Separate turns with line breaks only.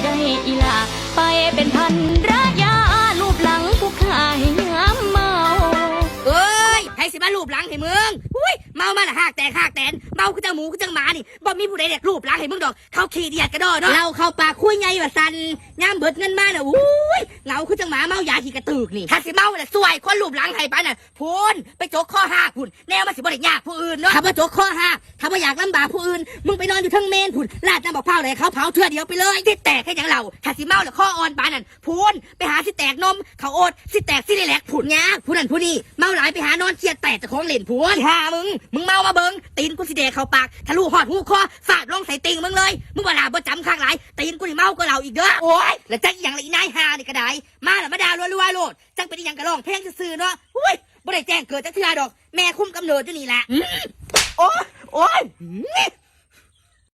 ได้อีหลาไปเป็นพันรายาลูบหลังผู้ขายยามเมา
เอ้ยให้สิมาลูบหลังให้มึงอุ้ยเมามาละหากแตกเมาคือจังหมูคือจังหมานี่บ่มีผู้ใดเด็กลูบหลังให้มึงดอกเขาขี้เดียดกระโดดเนาะเราเข้าปากคุยไงว่าสันย่ามเบิดเงินมาน่ะอุ้ยเหงาคือจังหมาเมายาขี้กระตึกนี่ถ้าสิเมาน่ะสวยคนลูบหลังให้ปานน่ะพูนไปโจกข้อหักพุ่นแนวมาสิบ่ได้ยากผู้อื่นเนาะถ้าบ่โจกข้อหักถ้าบ่อยากลำบากผู้อื่นมึงไปนอนอยู่ทั้งเมนพุ่นลาดน้ำบอกเผาเลยเขาเผาเทื่อเดียวไปเลยที่แตกแค่ยังเราถ้าสิเมาแล้วข้ออ่อนปานนั่นพูนไปหาสิแตกนมเขาโอดสิแตกสิได้แหลกพุ่นยากผู้นั้นผู้นี้เมาหลายไปหานอนเครียดแตกแต่ของเล่นพูนหามึงเมามาเบิ่งตีนกูสิเดะเข้าปากทะลุหอดหูคอฟาดลงใส่ติงมึงเลยมึงว่าลาบ่จำข้างหลายตีนกูนี่เมาก็เราอีกเด้อโอ้ยแล้วจักอีหยังละอีนายหานี่ก็ได้มาแล้วมาด่ารัวๆโลดจังเป็นอีหยังกะร้องเพลงซื่อๆเนาะอุ้ยบ่ได้แจ้งเกิดจักเทื่อดอกแม่คุมกำเนิดอยู่นี่แหละโอ้ย